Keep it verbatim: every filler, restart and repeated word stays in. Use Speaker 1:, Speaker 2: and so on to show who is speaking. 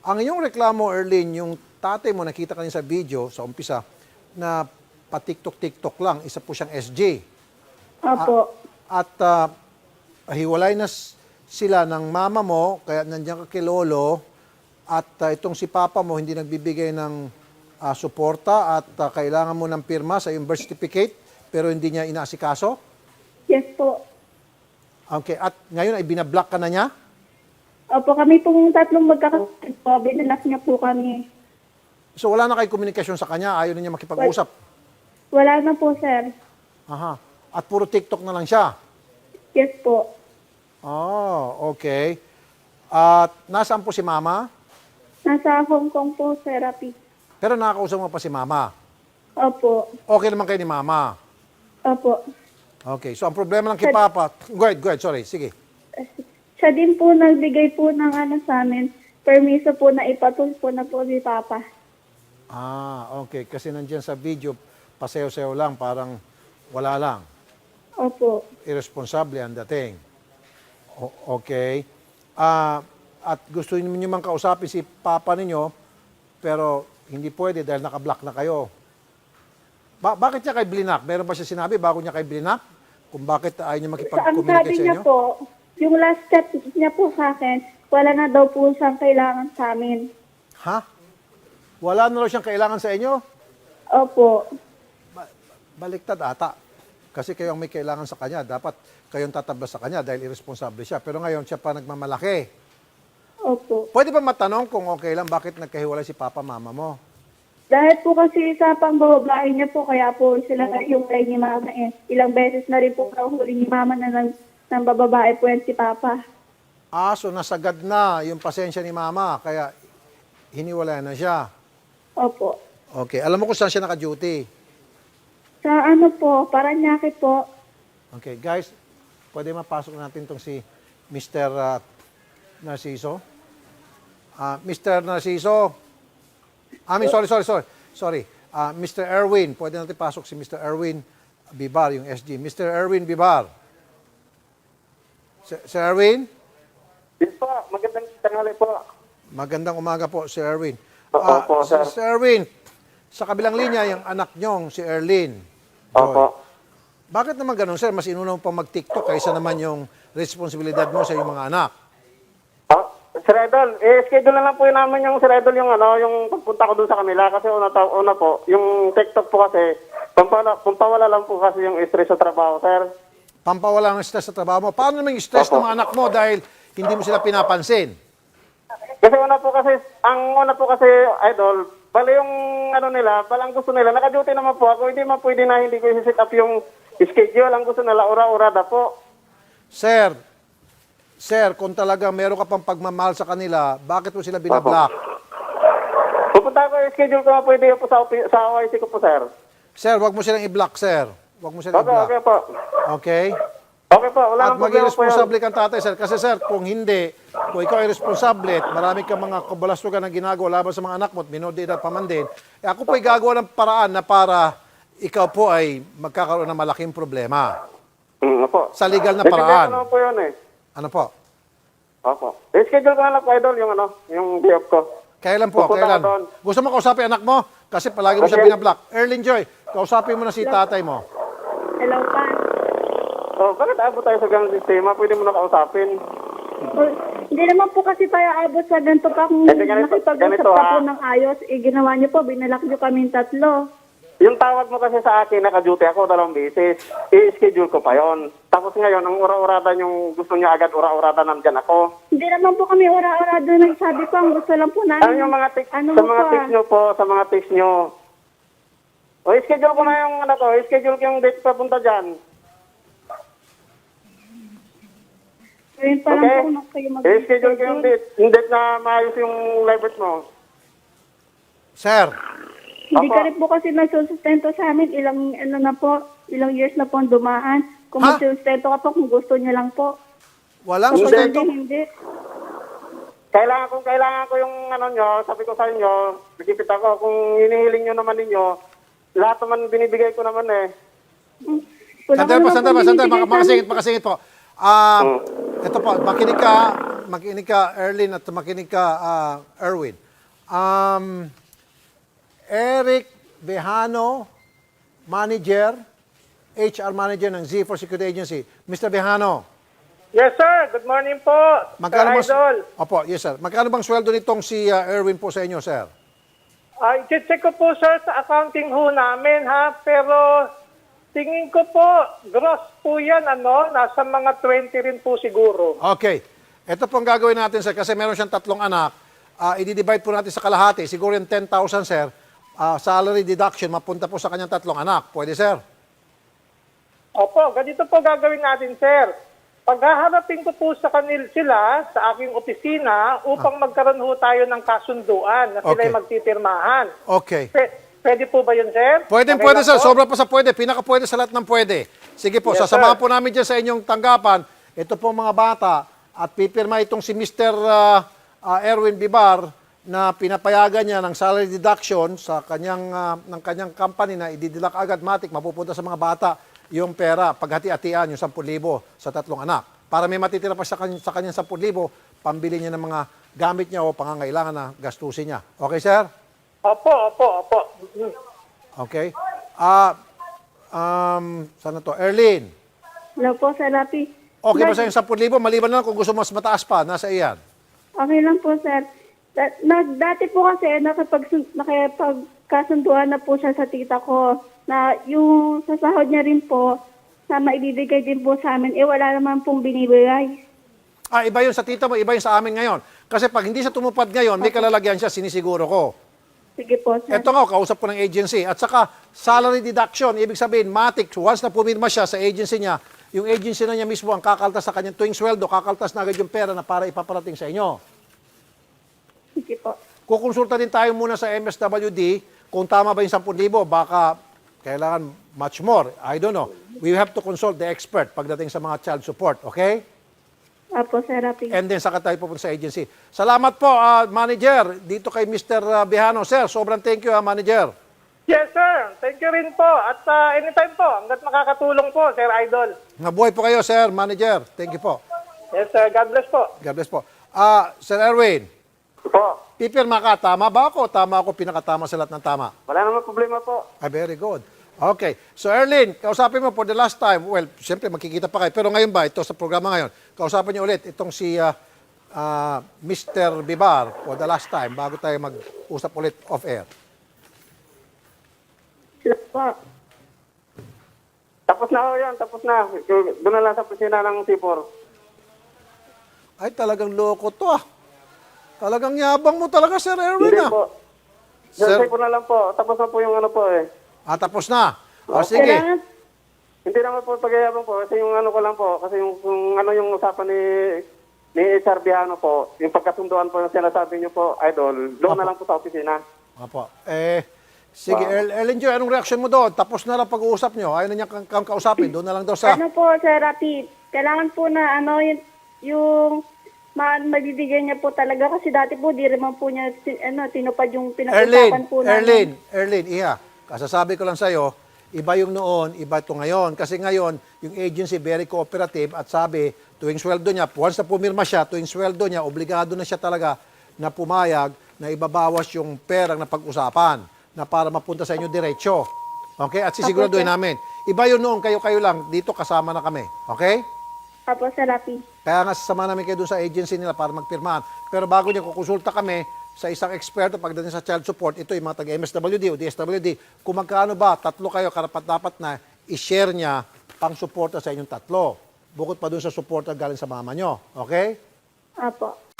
Speaker 1: Ang iyong reklamo, Erlyn, yung tatay mo, nakita kanina sa video, sa umpisa, na patiktok-tiktok lang, isa po siyang S J.
Speaker 2: Opo.
Speaker 1: At ah, hiwalay na s- sila ng mama mo, kaya nandiyan ka kay Lolo, at ah, itong si Papa mo hindi nagbibigay ng ah, suporta at ah, kailangan mo ng pirma sa iyong birth certificate, pero hindi niya inaasikaso.
Speaker 2: Yes po.
Speaker 1: Okay, at ngayon ay binablock ka na niya?
Speaker 2: Opo, kami pong tatlong magkakapatid po. Binalak niya po kami.
Speaker 1: So wala na kayo komunikasyon sa kanya, ayaw na niya makipag-usap.
Speaker 2: Wala na po, sir.
Speaker 1: Aha. At puro TikTok na lang siya.
Speaker 2: Yes po.
Speaker 1: Oh, okay. At nasaan po si Mama?
Speaker 2: Nasa Hong Kong po, therapy.
Speaker 1: Pero nakakausap mo pa si Mama.
Speaker 2: Opo.
Speaker 1: Okay naman kayo ni Mama.
Speaker 2: Opo.
Speaker 1: Okay, so ang problema lang kay Papa, go ahead, go ahead, sorry, sige.
Speaker 2: Siya din po nagbigay po ng ano sa amin, permiso po na ipatul po na po ni Papa.
Speaker 1: Ah, okay, kasi nandiyan sa video, pasayaw-sayaw lang, parang wala lang.
Speaker 2: Opo.
Speaker 1: Irresponsable ang dating. O- okay. Ah, at gusto niyo man kausapin si Papa ninyo, pero hindi pwede dahil naka-block na kayo. Ba- bakit niya kay blinak? Meron ba siya sinabi bago niya kay blinak? Kung bakit ayaw niya
Speaker 2: Sa ang
Speaker 1: makipag-communicate
Speaker 2: sabi
Speaker 1: sa
Speaker 2: niya
Speaker 1: inyo?
Speaker 2: po, yung last step niya po sa akin, wala na daw po siyang kailangan sa amin.
Speaker 1: Ha? Wala na raw siyang kailangan sa inyo?
Speaker 2: Opo.
Speaker 1: Ba- baliktad ata. Kasi kayo ang may kailangan sa kanya. Dapat kayong tatablas sa kanya dahil irresponsable siya. Pero ngayon, siya pa nagmamalaki.
Speaker 2: Opo.
Speaker 1: Pwede ba matanong kung okay lang bakit nagkahiwalay si Papa, Mama mo?
Speaker 2: Dahil po kasi sa pangbababae niya po, kaya po sila yung kay ni Mama eh. Ilang beses na rin po kahuli ni Mama na ng, ng bababae po yan si Papa.
Speaker 1: Ah, so nasagad na yung pasensya ni Mama. Kaya hiniwalay na siya.
Speaker 2: Opo.
Speaker 1: Okay. Alam mo kung saan siya naka-duty?
Speaker 2: Sa ano po, Paranaque po.
Speaker 1: Okay, guys, pwede mapasok natin tong si Mister uh, Narciso. Ah, Mister Narciso. I mean, sorry, sorry, sorry. Sorry. Ah, Mister Erwin, pwede natin pasok si Mister Erwin Bibar, yung S G. Mister Erwin Bibar. Sir, Sir Erwin?
Speaker 3: Yes po, magandang tanghali po.
Speaker 1: Magandang umaga po, Sir Erwin.
Speaker 3: Oo
Speaker 1: Ah,
Speaker 3: po, sir.
Speaker 1: Sir Erwin, sa kabilang linya, yung anak nyong, si Erlyn. Joy.
Speaker 3: Opo.
Speaker 1: Bakit naman ganun, sir? Mas inuna mo pa mag-TikTok kaysa naman yung responsibilidad mo sa iyong mga anak.
Speaker 3: Ah, Sir Idol, eh, schedule na lang po yun namin yung Sir Idol yung ano, yung pagpunta ko dun sa kanila kasi una, ta- una po, yung TikTok po kasi, pampawala, pampawala lang po kasi yung stress sa trabaho, sir.
Speaker 1: Pampawala ng stress sa trabaho mo. Paano naman yung stress
Speaker 3: Opo.
Speaker 1: ng mga anak mo dahil hindi mo sila pinapansin?
Speaker 3: Kasi una po kasi, ang una po kasi, Idol, bali yung ano nila, bali ang gusto nila, naka-duty naman po ako, hindi man pwede na hindi ko i-set up yung schedule, ang gusto nila, ura-urada po.
Speaker 1: Sir, sir, kung talaga meron ka pang pagmamahal sa kanila, bakit mo sila binablock?
Speaker 3: Pupunta ko yung schedule ko na pwede po sa, opi- sa O I C ko po, sir.
Speaker 1: Sir, wag mo silang i-block, sir. Wag mo silang
Speaker 3: Okay,
Speaker 1: i-block.
Speaker 3: okay po.
Speaker 1: Okay?
Speaker 3: Okay po, wala
Speaker 1: At
Speaker 3: nang
Speaker 1: maging
Speaker 3: problema po yan.
Speaker 1: responsable kang tatay, sir. Kasi, sir, kung hindi, kung ikaw ay responsable at marami kang mga kabalastugan na ginagawa laban sa mga anak mo at minor de edad pa man din, eh ako po ay gagawa ng paraan na para ikaw po ay magkakaroon ng malaking problema.
Speaker 3: Mm, opo.
Speaker 1: Sa legal na
Speaker 3: Eh, schedule ko
Speaker 1: paraan.
Speaker 3: naman po yun eh.
Speaker 1: Ano po?
Speaker 3: Opo. Eh, schedule ko na lang po, Idol, yung ano, yung day off ko.
Speaker 1: Kailan po?
Speaker 3: Pupunta
Speaker 1: Kailan?
Speaker 3: ko doon.
Speaker 1: Gusto mo kausapin anak mo? Kasi palagi mo siya
Speaker 3: Okay.
Speaker 1: binablock. Erlyn Joy, kausapin mo na si tatay mo.
Speaker 2: Hello, pa.
Speaker 3: Oh, bakit abot tayo sa ganung sistema? Pwede mo na kausapin.
Speaker 2: O, hindi naman po kasi tayo abot sa ganito pa kung
Speaker 3: Eh, ganito-
Speaker 2: nakipag-usap
Speaker 3: ganito,
Speaker 2: ka
Speaker 3: ha?
Speaker 2: po ng ayos. Eh, ginawa niyo po, binalak niyo kaming tatlo.
Speaker 3: Yung tawag mo kasi sa akin, naka-duty ako dalawang beses. I-schedule ko pa yon. Tapos ngayon, ang ura-uradan yung gusto niya agad ura-uradan nandyan ako.
Speaker 2: Hindi naman po kami ora-ora doon. Nagsabi ko, ang gusto lang po namin.
Speaker 3: Ano yung mga text,
Speaker 2: ano
Speaker 3: sa
Speaker 2: mo
Speaker 3: mga
Speaker 2: po,
Speaker 3: text
Speaker 2: ah.
Speaker 3: nyo po, sa mga text nyo. O, i-schedule ko na yung ano ko, i-schedule ko yung date papunta dyan.
Speaker 2: Ngayon pa lang
Speaker 3: Okay?
Speaker 2: po na kayo mag-
Speaker 3: I-schedule ko yung date. Yung date na maayos yung live birth mo.
Speaker 1: Sir,
Speaker 2: Hindi
Speaker 3: Opo.
Speaker 2: ka rin po kasi nagsusustento sa amin. Ilang, ano na po, ilang years na po ang dumaan. Kung
Speaker 1: Ha?
Speaker 2: magsusustento ka po, kung gusto niya lang po.
Speaker 1: walang
Speaker 2: Kung
Speaker 1: sustento.
Speaker 2: hindi, hindi.
Speaker 3: Kailangan kung kailangan ko yung ano nyo, sabi ko sa inyo, nagkipit ako, kung hinihiling nyo naman ninyo, lahat naman binibigay ko naman eh.
Speaker 2: Hmm. Wala
Speaker 1: Sandali
Speaker 2: ka
Speaker 1: po,
Speaker 2: naman
Speaker 1: sandali po,
Speaker 2: po
Speaker 1: sandali po,
Speaker 2: binibigay sa
Speaker 1: makasingit,
Speaker 2: amin.
Speaker 1: makasingit po. Ah, ito po, makinig ka, makinig ka, Erlyn, at makinig ka, ah, Erwin. Um, Eric Vejano, manager, H R manager ng Z four Security Agency. Mister Vejano,
Speaker 4: Yes, sir. Good morning po,
Speaker 1: magkano
Speaker 4: Sir
Speaker 1: bang,
Speaker 4: Idol.
Speaker 1: opo, yes sir. Magkano bang sweldo nitong si ah, Erwin po sa inyo, sir?
Speaker 4: Ah, i-check ko po, sir, sa accounting ho namin, ha? Pero tingin ko po, gross po yan, ano? Nasa mga twenty rin po siguro.
Speaker 1: Okay. Ito pong gagawin natin, sir, kasi meron siyang tatlong anak. Ah, i-divide po natin sa kalahati. Siguro yung ten thousand, sir. Ah, salary deduction, mapunta po sa kanyang tatlong anak. Pwede, sir?
Speaker 4: Opo, ganito po gagawin natin, sir. Paghaharapin ko po sa kanil sila sa aking opisina upang magkaroon ho tayo ng kasunduan na
Speaker 1: Ah.
Speaker 4: sila
Speaker 1: Okay.
Speaker 4: magtitirmahan.
Speaker 1: Okay.
Speaker 4: P- pwede po ba yun, sir?
Speaker 1: Pwede,
Speaker 4: Okay
Speaker 1: pwede,
Speaker 4: lang
Speaker 1: sir.
Speaker 4: po?
Speaker 1: Sobra pa sa pwede. Pinaka pwede sa lahat ng pwede. Sige po,
Speaker 4: Yes,
Speaker 1: sasamahan
Speaker 4: sir.
Speaker 1: po namin dyan sa inyong tanggapan. Ito po mga bata at pipirma itong si Mister ah, ah, Erwin Bibar na pinapayagan niya ng salary deduction sa kanyang ah, ng kanyang company na ididilak agad matik mapupunta sa mga bata yung pera paghati-hatian yung ten thousand sa tatlong anak. Para may matitira pa sa, kany- sa kanyang ten thousand, pambili niya ng mga gamit niya o pangangailangan na gastusin niya. Okay, sir?
Speaker 4: Opo, opo, opo. Mm.
Speaker 1: Okay. Ah, um, sana to? Erlyn,
Speaker 2: Hello po, Sir Rapi.
Speaker 1: okay ba
Speaker 2: Nag-
Speaker 1: sa yung ten thousand? Maliban na lang kung gusto mas mataas pa, nasa iyan.
Speaker 2: Okay lang po, sir. Da- nag, dati po kasi nakipag, nakipagkasunduan na po siya sa tita ko na yung sa sahod niya rin po na maibibigay din po sa amin, eh wala naman pong binibigay.
Speaker 1: Ah, iba yun sa tita mo, iba yun sa amin ngayon. Kasi pag hindi siya tumupad ngayon, may kalalagyan siya, sinisiguro ko.
Speaker 2: Sige po, sir.
Speaker 1: Ito nga, kausap ko ng agency. At saka, salary deduction, ibig sabihin, matic, once na pumirma siya sa agency niya, yung agency na niya mismo ang kakaltas sa kanyang tuwing sweldo, kakaltas na agad yung pera na para ipaparating sa inyo.
Speaker 2: Sige po.
Speaker 1: Kukonsulta din tayo muna sa M S W D kung tama ba yung ten thousand, baka kailangan much more. I don't know. We have to consult the expert pagdating sa mga child support, okay?
Speaker 2: Apo, Sir Rapi.
Speaker 1: And then saka tayo pupunta sa agency. Salamat po, ah, manager, dito kay Mister Bejano. Sir, sobrang thank you, ah, manager.
Speaker 4: Yes, sir. Thank you rin po. At ah, anytime po, hanggat makakatulong po, Sir Idol.
Speaker 1: Nabuhay po kayo, sir, manager. Thank you po.
Speaker 4: Yes, sir. God bless po.
Speaker 1: God bless po. Ah, Sir Erwin,
Speaker 3: Po.
Speaker 1: pipirma ka, tama ba ako? Tama ako, pinakatama sa lahat ng tama.
Speaker 3: Wala naman problema po.
Speaker 1: Ah, very good. Okay. So, Erlyn, kausapin mo for the last time. Well, siyempre, magkikita pa kayo. Pero ngayon ba, ito sa programa ngayon, kausapin niyo ulit itong si ah, ah, Mister Bibar for the last time bago tayo mag-usap ulit off-air.
Speaker 2: Hello po.
Speaker 3: Tapos na ho yan, tapos na. Doon na lang sa opisina ng C four.
Speaker 1: Ay, talagang loko to ah. Talagang yabang mo talaga, Sir Erwin
Speaker 3: Hindi
Speaker 1: ah.
Speaker 3: po.
Speaker 1: Sir-
Speaker 3: Sir, po na lang po. Tapos na po yung ano po eh.
Speaker 1: Ah, tapos na. O, sige.
Speaker 2: Kailangan,
Speaker 3: Hindi naman po pagyayabang po. Kasi yung ano ko lang po. Kasi yung, yung ano yung usapan ni ni H R Biano po. Yung pagkasunduan po yung sinasabi niyo po, Idol. Doon na lang po sa opisina.
Speaker 1: Opo. Eh, sige,
Speaker 3: Wow.
Speaker 1: El Ellen Joy, anong reaction mo doon? Tapos na lang pag-uusap nyo. Ayaw na niya kang, kang kausapin. Doon na lang daw sa...
Speaker 2: ano po, Sir Rapi, kailangan po na ano, yung, yung ma mabibigyan niya po talaga kasi dati po di rin man po niya tin- ano, tinupad yung pinag-usapan
Speaker 1: Erlyn,
Speaker 2: po namin.
Speaker 1: Erlyn, Erlyn, iya. Kasasabi ko lang sa'yo, iba yung noon, iba ito ngayon. Kasi ngayon, yung agency very cooperative at sabi, tuwing sweldo niya, once na pumirma siya, tuwing sweldo niya, obligado na siya talaga na pumayag na ibabawas yung perang na pag-usapan na para mapunta sa inyo diretsyo. Okay? At sisiguraduhin namin. Iba yun noon, kayo-kayo lang. Dito kasama na kami. Okay?
Speaker 2: Apo, Sir Rapi.
Speaker 1: Kaya nga sasama namin kayo doon sa agency nila para magpirmahan. Pero bago niya kukonsulta kami sa isang eksperto pagdating sa child support, ito yung mga taga-M S W D o D S W D, kung magkano ba, tatlo kayo, karapat-dapat na i-share niya pang suporta sa inyong tatlo. Bukod pa doon sa suporta galing sa mama nyo. Okay?
Speaker 2: Apo.